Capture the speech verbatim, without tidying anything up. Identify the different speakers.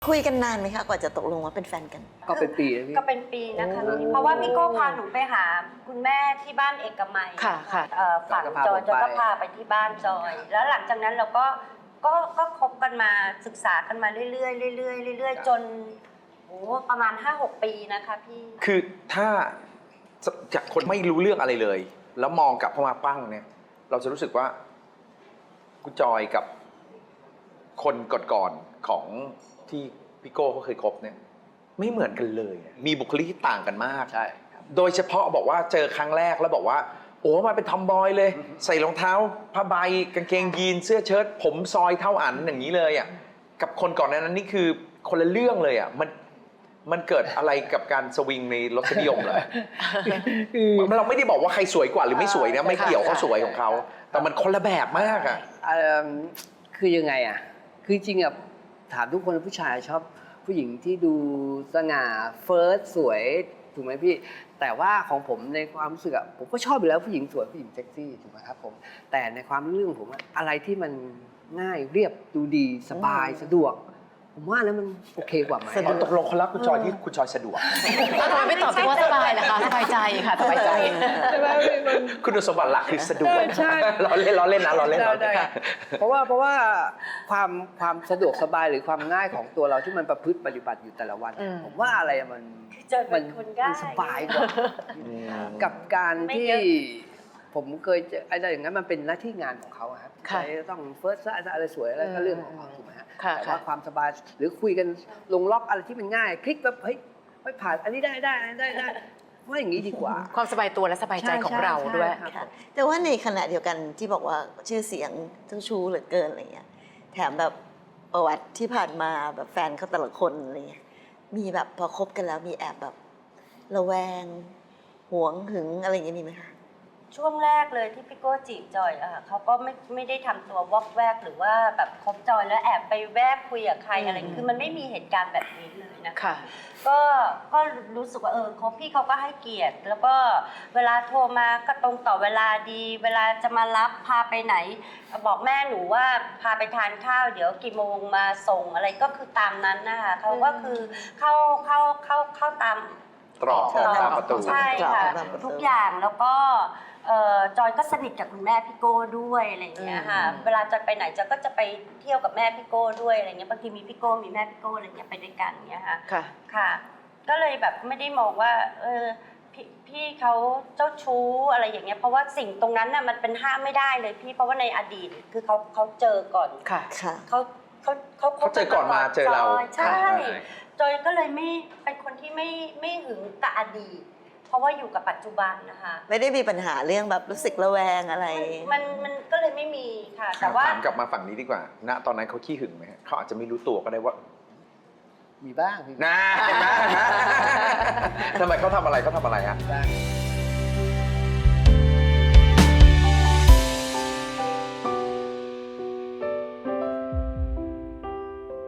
Speaker 1: คุยกันนานไหมคะกว่าจะตกลงว่าเป็นแฟนกัน
Speaker 2: ก็เป็นปีแล้วพี่
Speaker 3: ก็เป็นปีนะคะเพราะว่าพี่โก้พาหนูไปหาคุณแม่ที่บ้านเอกมัย
Speaker 4: ค่ะค่ะ
Speaker 3: ฝั่งจอยจอยก็พาไปที่บ้านจอย แล้วหลังจากนั้นเราก็ก็ก็คบกันมาศึกษากันมาเรื่อยๆเรื่อยๆเรื่อยๆจนโอ้ประมาณ ห้าหก ปีนะคะพี่
Speaker 5: คือถ้าจากคนไม่รู้เรื่องอะไรเลย แล้วมองกลับเข้ามาปั้งเนี่ยเราจะรู้สึกว่าคุณจอยกับคนก่อนๆของที่พี่โก้เขาเคยคบเนี่ยไม่เหมือนกันเลยมีบุคลิกที่ต่างกันมาก
Speaker 2: ใช่
Speaker 5: โดยเฉพาะบอกว่าเจอครั้งแรกแล้วบอกว่าโอ้มาเป็นทอมบอยเลยใส่รองเท้าผ้าใบกางเกงยีนเสื้อเชิ้ตผมซอยเท่าอันอย่างนี้เลยอ่ะกับคนก่อนนั้นนี่คือคนละเรื่องเลยอ่ะมันมันเกิดอะไรกับการสวิงในรสนิยมเหรอเราไม่ได้บอกว่าใครสวยกว่าหรือไม่สวยนะไม่เกี่ยวเขาสวยของเขาแต่มันคนละแบบมากอ่ะ
Speaker 2: คือยังไงอ่ะคือจริงอ่ะถามทุกคนผู้ชายชอบผู้หญิงที่ดูสง่าเฟิร์สสวยถูกไหมพี่แต่ว่าของผมในความรู้สึกอ่ะผมก็ชอบอยู่แล้วผู้หญิงสวยผู้หญิงเซ็กซี่ถูกไหมครับผมแต่ในความเรื่องผมอะไรที่มันง่ายเรียบดูดีสบายสะดวกผมว่าแล้วมันโอเคกว่าไหม
Speaker 5: ตกลงเขารักคุณจอยที่คุณจอยสะดวก
Speaker 4: ทำไมไม่ตอบว่าสบายล่ะคะสบายใจค่ะสบายใจ
Speaker 5: คุณสมบัติหลักคือสะดวกล้อเล่นล้อเล่นนะล้อเล่นล้อเล่น
Speaker 2: เพราะว่าเพราะว่าความความสะดวกสบายหรือความง่ายของตัวเราที่มันประพฤติปฏิบัติอยู่แต่ละวันผมว่าอะไรมัน
Speaker 3: มัน
Speaker 2: สบายกว่ากับการที่ผมเคยเจออะไรอย่างนั้นมันเป็นหน้าที่งานของเขาครับใครต้องเฟิร์สอะไรสวยอะไรก็เรื่องของเขาถูกไหมฮะแต่ว่าความสบายหรือคุยกันลงล็อกอะไรที่มันง่ายคลิกแบบเฮ้ยไม่ผ่านอันนี้ได้ได้ได้ได้ว่าอย่างนี้ดีกว่า
Speaker 4: ความสบายตัวและสบายใจของเราด้วย
Speaker 1: แต่ว่าในขณะเดียวกันที่บอกว่าชื่อเสียงเจ้าชู้เหลือเกินอะไรเงี้ยแถมแบบประวัติที่ผ่านมาแบบแฟนเขาแต่ละคนอะไรเงี้ยมีแบบพอคบกันแล้วมีแอบแบบระแวงหวงหึงอะไรอย่างเงี้ยมีไหมคะ
Speaker 3: ช่วงแรกเลยที่พี่โก้จีบจอยอะเขาก็ไม่ไม่ได้ทำตัววอกแวกหรือว่าแบบคบจอยแล้วแอบไปแวบคุยกับใครอะไรคือมันไม่มีเหตุการณ์แบบนี้เลยนะคะก็ก็รู้สึกว่าเออเขาพี่เขาก็ให้เกียรติแล้วก็เวลาโทรมาก็ตรงต่อเวลาดีเวลาจะมารับพาไปไหนบอกแม่หนูว่าพาไปทานข้าวเดี๋ยวกี่โมงมาส่งอะไรก็คือตามนั้นนะคะเขาก็คือเข้าเข้าเข้าเข้าตาม
Speaker 5: ตรอกตามประตู
Speaker 3: ใช่ค่ะทุกอย่างแล้วก็จอยก็สนิทกับคุณแม่พี่โก้ด้วยอะไรอย่างเงี้ยค่ะเวลาจอยไปไหนจอยก็จะไปเที่ยวกับแม่พี่โก้ด้วยอะไรเงี้ยบางทีมีพี่โก้มีแม่พี่โก้อะไรเงี้ยไปด้วยกันเงี้ยค่ะค่ะก็เลยแบบไม่ได้มองว่าเออพี่พี่เขาเจ้าชู้อะไรอย่างเงี้ยเพราะว่าสิ่งตรงนั้นน่ะมันเป็นห้ามไม่ได้เลยพี่เพราะว่าในอดีตคือเขาเขาเจอก่อน
Speaker 4: ค่ะ
Speaker 3: เขาเขาเขา
Speaker 5: เขาเจอก่อนมาเจอเรา
Speaker 3: ใช่จอยก็เลยไม่เป็นคนที่ไม่ไม่หึงกับอดีตเพราะว่าอยู่กับปัจจุบันนะคะ
Speaker 1: ไม่ได้มีปัญหาเรื่องแบบรู้สึกระแวงอะไร
Speaker 3: มันมันก็เลยไม่มีค่ะแต่ว่า
Speaker 5: ถามกลับมาฝั่งนี้ดีกว่าณตอนนั้นเขาขี้หึงไหมเขาอาจจะไม่รู้ตัวก็ได้ว่า
Speaker 2: มีบ้าง
Speaker 5: นะเห็นไหมทำไมเขาทำอะไรเขาทำอะไรฮะ